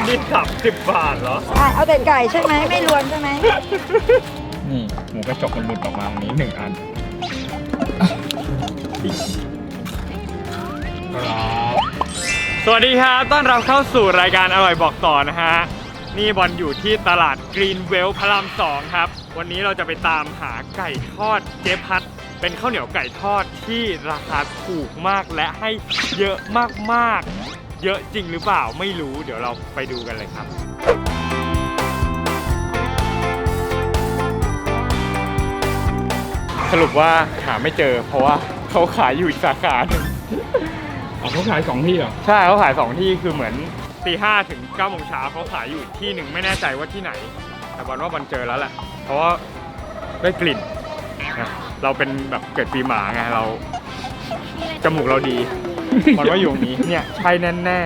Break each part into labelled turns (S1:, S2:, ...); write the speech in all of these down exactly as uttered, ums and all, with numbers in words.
S1: นี่สับสิบบาทเหรอ
S2: อ่ะเอาแต่ไก่ใช่ไหมไม่รวมใช่ไหม
S1: นี่หมูกระจกมันหลุดออกมาตรงนี้หนึ่งอันสวัสดีครับต้อนรับเข้าสู่รายการอร่อยบอกต่อนะฮะนี่บอลอยู่ที่ตลาดกรีนเวลพระรามสองครับวันนี้เราจะไปตามหาไก่ทอดเจ๊พัดเป็นข้าวเหนียวไก่ทอดที่ราคาถูกมากและให้เยอะมากๆเยอะจริงหรือเปล่าไม่รู้เดี๋ยวเราไปดูกันเลยครับสรุปว่าหาไม่เจอเพราะว่าเขาขายอยู่อีกสาขาหนึ่ง
S3: อ๋อเขาขายสองที่เหรอ
S1: ใช่เขาขายสองที่คือเหมือนตีห้าถึงเก้าโมงเช้าเขาขายอยู่ที่หนึ่งไม่แน่ใจว่าที่ไหนแต่บอลว่าบอลเจอแล้วแหละเพราะว่าได้กลิ่นเราเป็นแบบเกิดปีหมาไงเราจมูกเราดีบอลว่าอยู่ตรงนี้เนี่ยใช่แน่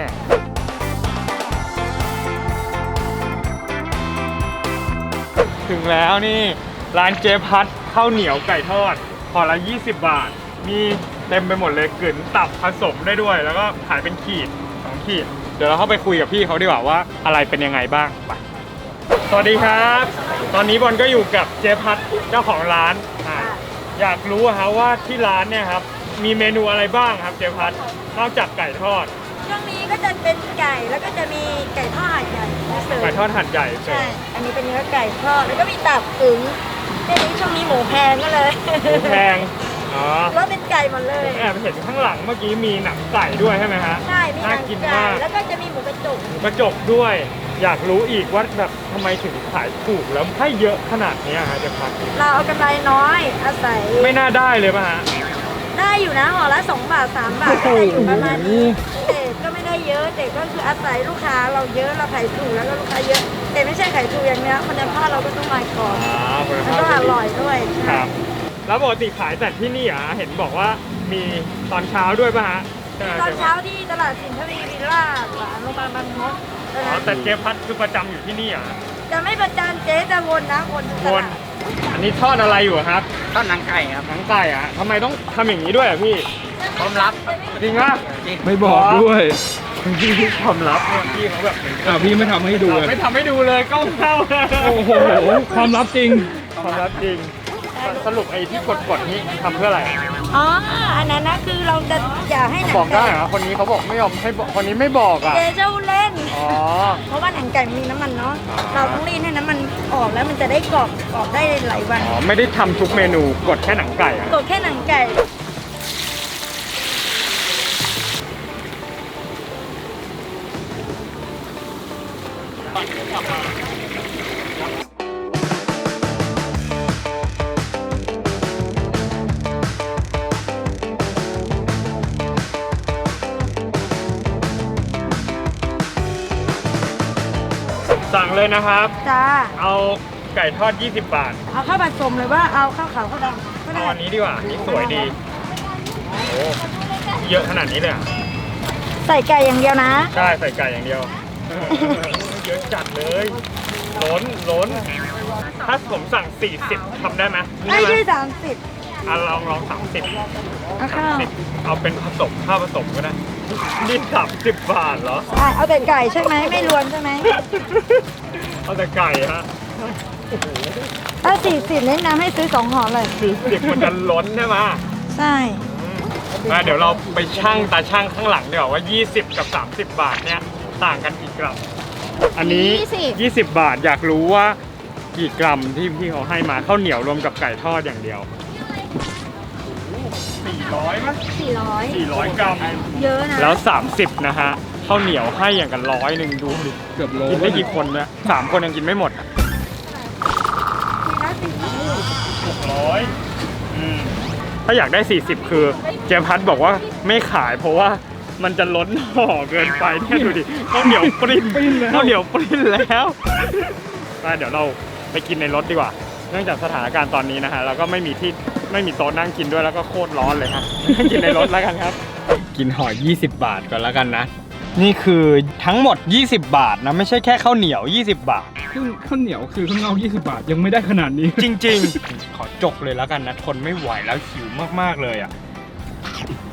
S1: ๆถึงแล้วนี่ร้านเจ๊พัดข้าวเหนียวไก่ทอดห่อละยี่สิบบาทมีเต็มไปหมดเลยกลืนตับผสมได้ด้วยแล้วก็ขายเป็นขีดสองขีดเดี๋ยวเราเข้าไปคุยกับพี่เขาดีกว่าว่าอะไรเป็นยังไงบ้างไปสวัสดีครับตอนนี้บอลก็อยู่กับเจ๊พัดเจ้าของร้านอยากรู้ครับว่าที่ร้านเนี่ยครับมีเมนูอะไรบ้างครับเจ๊พัดนอกจากไก่ทอด
S2: ช่วงนี้ก็จะเป็นไก่แล้วก็จะมีไก่ทอดหั่นใหญ่
S1: ไก่ทอดหั่นใหญ่
S2: ใช่อันนี้เป็นเนื้อไก่ทอดแล้วก็มีตับถึงทีนี้ช่วงนี้หมูแพงก็เลย
S1: หมูแพงอ๋อ
S2: แล้วเป็นไก่หมดเลย
S1: แอบเห็นข้างหลังเมื่อกี้มีหนังไก่ด้วยใช่ไหมฮะ
S2: ใช่มีหนังไก่แล้วก็จะมีหมูกระจก
S1: หมูกระจกด้วยอยากรู้อีกว่าแบบทำไมถึงขายถูกแล้วให้เยอะขนาดนี้ฮะเจ๊พัด
S2: เราเอากำไรน้อยอาศัย
S1: ไม่น่าได้เลยป่ะฮะ
S2: ได้อยู่นะห่อละสองบาทสามบาทก็ได้อยู่ประมาณนี้แต่ก็ไม่ได้เยอะแต่ก็คืออาศัยลูกค้าเราเยอะเราขายถูกแล้วก็ลูกค้าเยอะแต่ไม่ใช่ขายถูกอย่างเนี้ยคุณภาพเราก็ต้องมาก่อนแล้วก็อร่อยด้วย
S1: ครับแล้วปกติขายแต่ที่นี่อ่ะเห็นบอกว่ามีตอนเช้าด้วยป่ะฮะ
S2: ตอนเช้าที่ตลาดสินทวีวิลล่าหลังโรงพยาบาลบางมด
S1: อ๋อแต่เจ๊พัดคือประจำอยู่ที่นี่อ่ะ
S2: จะไม่ประจำเจ๊จะวนนะวน
S1: วนอันนี้ทอดอะไรอยู่ครับ
S4: ทอดหนังไก่ครับ
S1: หนังไก่อ่ะทำไมต้องทำอย่างนี้ด้วยอ่ะพี่
S4: ความลับ
S1: จริงป่ะ
S3: ไม่บอกด้วย
S1: พี่ความลับเนี่ยพี่เขาแบบ
S3: อ่าพี่ไม่ทำให้ดู
S1: ไม่ทำให้ดูเลยก้มเข้า
S3: โอ้โหความลับจริง
S1: ความลับจริงสรุปไอ้ที่กดๆนี้ทำเพื่ออะไร
S2: อ๋ออันนั้นนะคือเราจะอยากให้หนัง
S1: บอกได้เหรอคนนี้เขาบอกไม่ยอมให้คนนี้ไม่บอกอ่ะ
S2: เจ๊เจ้าเล่น
S1: อ๋อ
S2: เพราะว่าหนังไก่มีน้ำมันเนาะเราต้องรีดให้น้ำมันออกแล้วมันจะได้กรอบกรอบได้หลายวัน
S1: อ๋อไม่ได้ทำทุกเมนูกดแค่หนังไก่อ่ะ
S2: กดแค่หนังไก่
S1: สั่งเลยนะครับ
S2: จ้า
S1: เอาไก่ทอดยี่สิบบาท
S2: เอาข้าวผสมเลยว่าเอาข้าวขาวข้าวดำ
S1: เอาอันนี้ดีกว่านี่สวยดีโอ้เยอะขนาดนี้เลยอ่ะ
S2: ใส่ไก่อย่างเดียวนะ
S1: ใช่ใส่ไก่อย่างเดียวเยอะจัดเลยล้นล้นถ้าผมสั่งสี่สิบทำได้ไหม
S2: ได้ที่สามสิบ
S1: อ่ะลองลองสามสิบ
S2: เอาข้าว
S1: เอาเป็นผสมข้าวผสมก็ได้นี่สามสิบบาทเหรอ
S2: อ่ะเอาแต่ไก่ใช่ไหมไม่รวมใช่ไหม
S1: เอาแต่ไก่ฮะ
S2: ถ้าสี่สิบแนะนำให้ซื้อสองห่อเลย
S1: สี่สิบมันจะล้นใช่ไหม
S2: ใช่
S1: มาเดี๋ยวเราไปชั่งตาช่างข้างหลังดีกว่าว่ายี่สิบกับสามสิบบาทเนี่ยต่างกันกี่กรัมอันนี้ยี่สิบบาทอยากรู้ว่ากี่กรัมที่พี่เขาให้มาข้าวเหนียวรวมกับไก่ทอดอย่างเดียวสี่ร้อยมั้ย
S2: สี่ร้อย
S1: สี่ร้อยกรัม
S2: เยอะนะ
S1: แล้วสามสิบนะฮะข้าวเหนียวให้อย่างกันร้อยหนึ่งดูดิ
S3: เกือบโล
S1: กินได้กี่คนเนี่ยสามคนยังกินไม่หมดหกร้อยอืมถ้าอยากได้สี่สิบคือเจ๊พัดบอกว่าไม่ขายเพราะว่ามันจะล้นห่อเกินไปแค่ดูดิข้าวเหนียวปริ้นข้าวเหนียวปริ้นแล้วเดี๋ยวเราไปกินในรถดีกว่าเนื่องจากสถานการณ์ตอนนี้นะฮะเราก็ไม่มีที่ไม่มีโต๊ะนั่งกินด้วยแล้วก็โคตรร้อนเลยฮะกินในรถแล้วกันครับกินห่อยี่สิบบาทก่อนแล้วกันนะนี่คือทั้งหมดยี่สิบบาทนะไม่ใช่แค่ข้าวเหนียวยี่สิบบาท
S3: ซึ่งข้าวเหนียวคือข้างนอกยี่สิบบาทยังไม่ได้ขนาดนี้
S1: จริงๆขอจกเลยแล้วกันนะทนไม่ไหวแล้วหิวมากๆเลยอ่ะ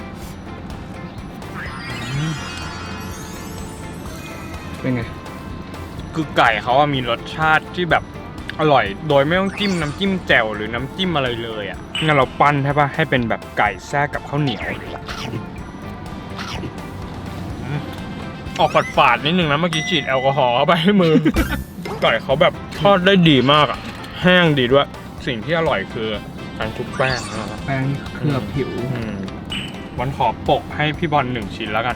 S3: เป็นไง
S1: คือไก่เขาอะมีรสชาติที่แบบอร่อยโดยไม่ต้องจิ้มน้ำจิ้มแจ่วหรือน้ำจิ้มอะไรเลยอ่ะงั้นเราปั้นใช่ปะให้เป็นแบบไก่แทรกกับข้าวเหนียวอืมออกฝาดๆนิดนึงนะเมื่อกี้ฉีดแอลกอฮอล์เข้าไปให้มือ ไก่เขาแบบทอดได้ดีมากอ่ะแห้งดีด้วยสิ่งที่อร่อยคือการชุบแป้งนะครับ
S3: แป้งเคลือบผิว
S1: อืมวันขอปกให้พี่บอลหนึ่งชิ้นแล้วกัน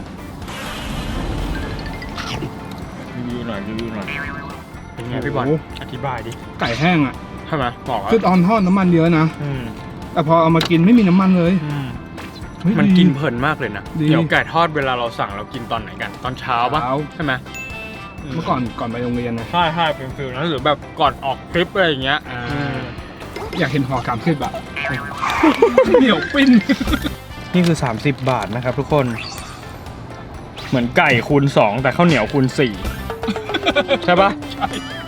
S1: รีวิวหน่อยรีวิวหน่อยเป็นไงพี่บอล
S3: โอ้โห
S1: อธิบายดิ
S3: ไก่แห้งอ่ะ
S1: ใช่ไหมบอกว่า
S3: คือตอนทอดน้ำมันเยอะนะ
S1: อืม
S3: แต่พอเอามากินไม่มีน้ำมันเลย
S1: อืม
S3: เฮ้ย
S1: มัน
S3: ดี
S1: กินเพลินมากเลยนะ
S3: ดี
S1: เดี๋ยวไก่ทอดเวลาเราสั่งเรากินตอนไหนกัน ตอนเช้าปะ
S3: เช้า
S1: ใช่ไหม
S3: เมื่อก่อนก่อนไปโรงเรียนนะ
S1: ใช่ใช่เป็นฟิลนั้นหรือแบบก่อนออกทริปอะไรอย่างเงี้ย
S3: อ่า
S1: อืม
S3: อยากเห็นห่อสามสิบแบบ เหนียวปิ้น
S1: นี่คือสามสิบบาทนะครับทุกคน เหมือนไก่คูณสองแต่ข้าวเหนียวคูณสี่ ใช่ปะ
S3: ใช่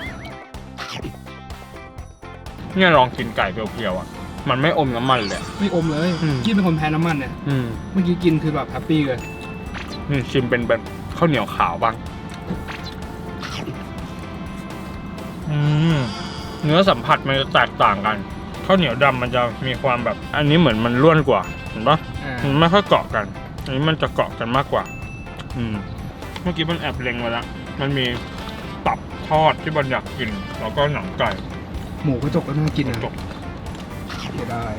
S1: เนี่ยลองกินไก่เพียวๆอ่ะ มันไม่อมน้ำมันเลย
S3: ไม่อมเลย
S1: อืม
S3: กินเป็นคนแพ้น้ำมันเนี่ย
S1: อืม
S3: เมื่อกี้กินคือแบบแฮปปี้เลย
S1: นี่ชิมเป็นแบบข้าวเหนียวขาวบ้าง อืม เนื้อสัมผัสมันจะแตกต่างกัน ข้าวเหนียวดำมันจะมีความแบบ อันนี้เหมือนมันร่วนกว่า เห็นปะ
S3: อ่า
S1: มันไม่ค่อยเกาะกัน อันนี้มันจะเกาะกันมากกว่า อืม เมื่อกี้มันแอบเล็งไว้แล้ว มันมีตับทอดที่บอลอยากกิน แล้วก็หนังไก่
S3: หมูกระจกก็น่ากินนะ
S1: จบ
S3: เสียดาย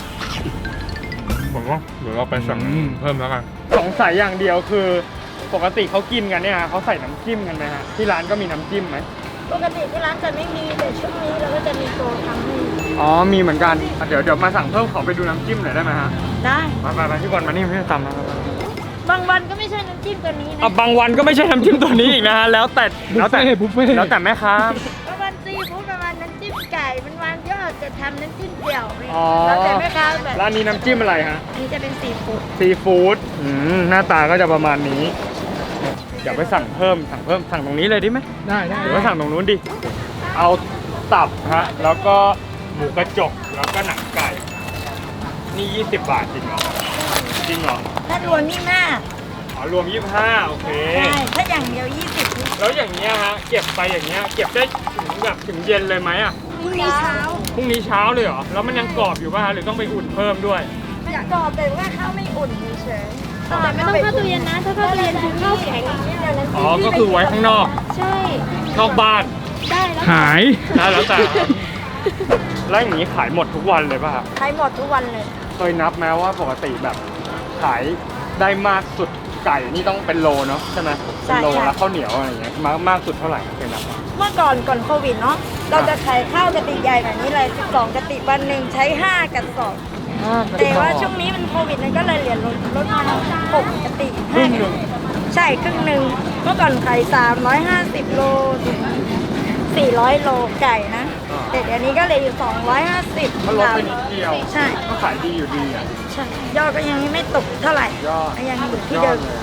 S1: ผมว่าเดี๋ยวเราไปสั่ง
S3: อืม
S1: เพิ่มแล้วกันสงสัยอย่างเดียวคือปกติเขากินกันเนี่ยเขาใส่น้ำจิ้มกันไหมฮะที่ร้านก็มีน้ำจิ้มไหม
S2: ปกติที่ร้านจะไม่มีแต่ช่วงนี้เราก็จะมีโปรทำให้
S1: อ๋อมีเหมือนกันอ่ะเดี๋ยวเดี๋ยวมาสั่งเพิ่มขอไปดูน้ำจิ้มหน่อยได้ไหมฮะ
S2: ได้
S1: มาไปไปพี่บอลมานี่พี่ตำนะ
S2: บางวันก็ไม่ใช่น้ำจิ้มตัวนี้นะ
S1: อ่ะบางวันก็ไม่ใช่น้ำจิ้มตัวนี้อีกนะฮะแล้วแต่
S3: บุ
S1: แล้ว
S3: ฟ
S1: แต่
S3: เฟ่ต์บุฟเฟ่ต์
S1: แล้วแต่แม่ค้า
S2: บางวันซีฟู้ดประมาณน้ำจิ้มไก่มันวันยอดจะทำน้ำจิ้มเดี่ยว
S1: อ๋อ
S2: แล้วแต่แม่ค้าแบบ
S1: ร้านนี้น้ำจิ้มอะไรฮะ
S2: อันนี้จะเป็นซีฟู้ด
S1: ซีฟู้ดอืมหน้าตาก็จะประมาณนี้ เดี๋ยวไปสั่งเพิ่มสั่งเพิ่มสั่งตรงนี้เลยดีไหม
S3: ได้ได้
S1: หรือว่าสั่งตรงนู้นดิ เอาตับฮะ แล้วก็หมูกระจก แล้วก็หนังไก่ นี่ยี่สิบบาทจริงเหรอ จริงเหรอ
S2: ถ้ารวมนี่หน้า
S1: อ๋อ รวมยี่สิบห้าโอเค
S2: ใช่ถ้าอย่างเดียวยี่สิบ
S1: แล้วอย่างเงี้ยฮะ เก็บไปอย่างเงี้ย เก็บได้ถึงแบบถึงเย็นเลยไหมอ่ะ
S2: พรุ่งนี้เช้า
S1: พรุ่งนี้เช้าเลยเหรอ แล้วมันยังกรอบอยู่ป่ะฮะ หรือต้องไปอุ่นเพิ่มด้วย
S2: มันกรอบแต่ว่าข้าวไม่อุ่นเฉยๆ
S4: แต่ไม่ต้องเข้าตู้เย็นนะ ถ้าเข้าตู้เย็นคือข้าวแข็ง
S1: อ๋อ ก็คือไว้ข้างนอก
S4: ใช่
S1: นอกบ้าน
S4: ได้แล้ว
S3: หาย
S1: ได้แล้วแต่ แล้วอย่างนี้ขายหมดทุกวันเลยป่ะครับ
S2: ใช้หมดทุกวันเลย
S1: เคยนับไหมว่าปกติแบบขายได้มากสุดไก่นี่ต้องเป็นโลเนาะใช่ไหม
S2: ใช่
S1: เป็นโล
S2: ค่ะ
S1: แล้วข้าวเหนียวอะไรอย่างเงี้ยมากมากสุดเท่าไหร่เคยนับไหม
S2: เมื่อก่อนก่อนโควิดเนาะเราจะขายข้าวกระติกใหญ่แบบนี้เลยสิบสองกระติกวันหนึ่งใช้ห้ากระสอบแต่ว่าช่วงนี้มันโควิดมันก็เลยเหลือลดลดมาหกกระติก
S1: ครึ่งหนึ่ง
S2: ใช่ครึ่งหนึ่งเมื่อก่อนขายสามร้อยห้าสิบโลสี่ร้อยโลไก่นะแต่เดี๋ยวนี้ก็เลยอยู่สองร้อยห้าสิบ
S1: มันลดไปนิดเดียว
S2: ใช่
S1: ก็ขายดีอยู่ดีอ่ะ
S2: ใช่ยอดก็ยังไม่ตกเท่าไหร่
S1: ยอด
S2: ยังอยู่ที่
S1: ยอ
S2: เดิ
S1: ด
S2: ม
S1: เลย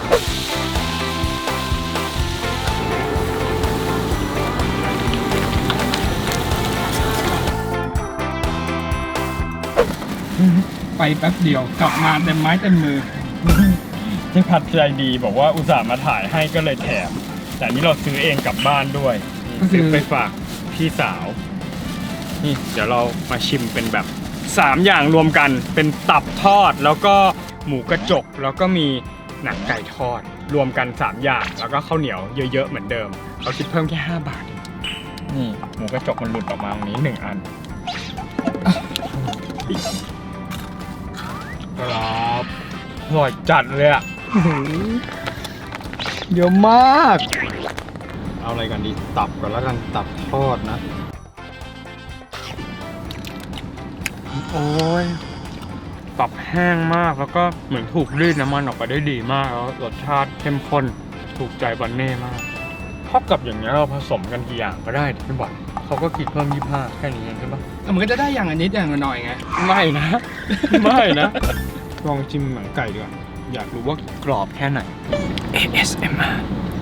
S3: ไปแป๊บเดียวกลับมาเต็มไม้เต็มมือ
S1: พี่พัดใจดีบอกว่าอุตส่าห์มาถ่ายให้ก็เลยแถม แต่อันนี้เราซื้อเองกลับบ้านด้วย
S3: ก็คือ
S1: ซื้อไปฝากพี่สาว นี่เดี๋ยวเรามาชิมเป็นแบบสามอย่างรวมกันเป็นตับทอดแล้วก็หมูกระจกแล้วก็มีหนังไก่ทอด รวมกันสามอย่างแล้วก็ข้าวเหนียวเยอะๆเหมือนเดิมเราคิดเพิ่มแค่ห้าบาทเองนี่หมูกระจกมันหลุดออกมาตรงนี้หนึ่งอันครับอร่อยจัดเลยอะเยอะมาก เอาอะไรกันดีตับก่อนแล้วกันตับทอดนะ โอ้ยตับแห้งมากแล้วก็เหมือนถูกรีดน้ำมันออกไปได้ดีมากแล้วรสชาติเข้มข้นถูกใจบันเน่มากเท่ากับอย่างนี้ยเราผสมกันกี่อย่างก็ได้พี่บอลเขาก็คิดเพิ่มยี่สิบห้าแค่นี้เองใช่ปะ
S3: แต่มันก็จะได้อย่างอันนิดอย่างละหน่อยไง
S1: ไม่นะ ไม่นะ ลองชิมหนังไก่ดีกว่าอยากรู้ว่ากรอบแค่ไหน เอ เอส เอ็ม อาร์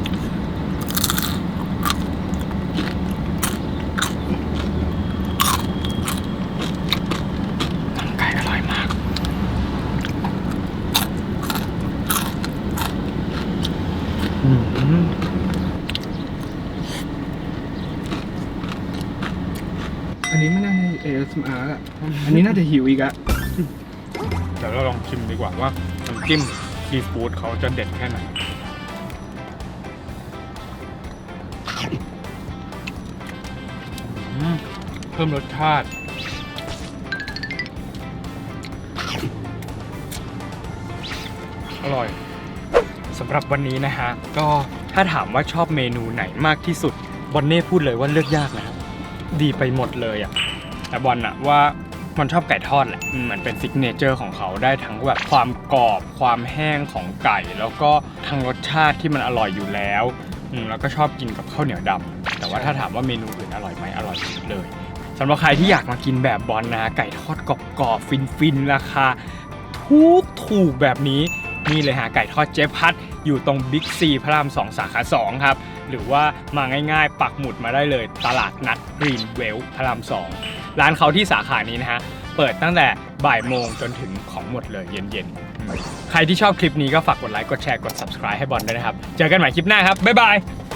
S1: หนังไก่อร่อยมาก อืม
S3: สมาร์ทอะอันนี้น่าจะหิวอีกอะ
S1: เดี๋ยวเราลองชิมดีกว่าว่าน้ำจิ้มซีฟู้ดเขาจะเด็ดแค่ไหนอืมเพิ่มรสชาติอร่อยสำหรับวันนี้นะฮะก็ถ้าถามว่าชอบเมนูไหนมากที่สุดบอนเน่พูดเลยว่าเลือกยากนะครับดีไปหมดเลยอ่ะแต่บอลอะว่ามันชอบไก่ทอดแหละอืมเหมือนเป็นซิกเนเจอร์ของเขาได้ทั้งแบบความกรอบความแห้งของไก่ แล้วก็ทั้งรสชาติที่มันอร่อยอยู่แล้วอืมแล้วก็ชอบกินกับข้าวเหนียวดำแต่ว่าถ้าถามว่าเมนูอื่นอร่อยไหมอร่อยหมดเลยสำหรับใครที่อยากมากินแบบบอลนะไก่ทอดกรอบๆฟินๆราคาถูกถูกแบบนี้นี่เลยฮะไก่ทอดเจ๊พัดอยู่ตรงบิ๊กซีพระรามสองสาขาสองครับหรือว่ามาง่ายๆปักหมุดมาได้เลยตลาดนัดกรีนเวลพระรามสองร้านเขาที่สาขานี้นะฮะเปิดตั้งแต่บ่ายโมงจนถึงของหมดเลยเย็นๆใครที่ชอบคลิปนี้ก็ฝากกดไลค์กดแชร์กด ซับสไครบ์ ให้บอลด้วยนะครับเจอกันใหม่คลิปหน้าครับบ๊ายบาย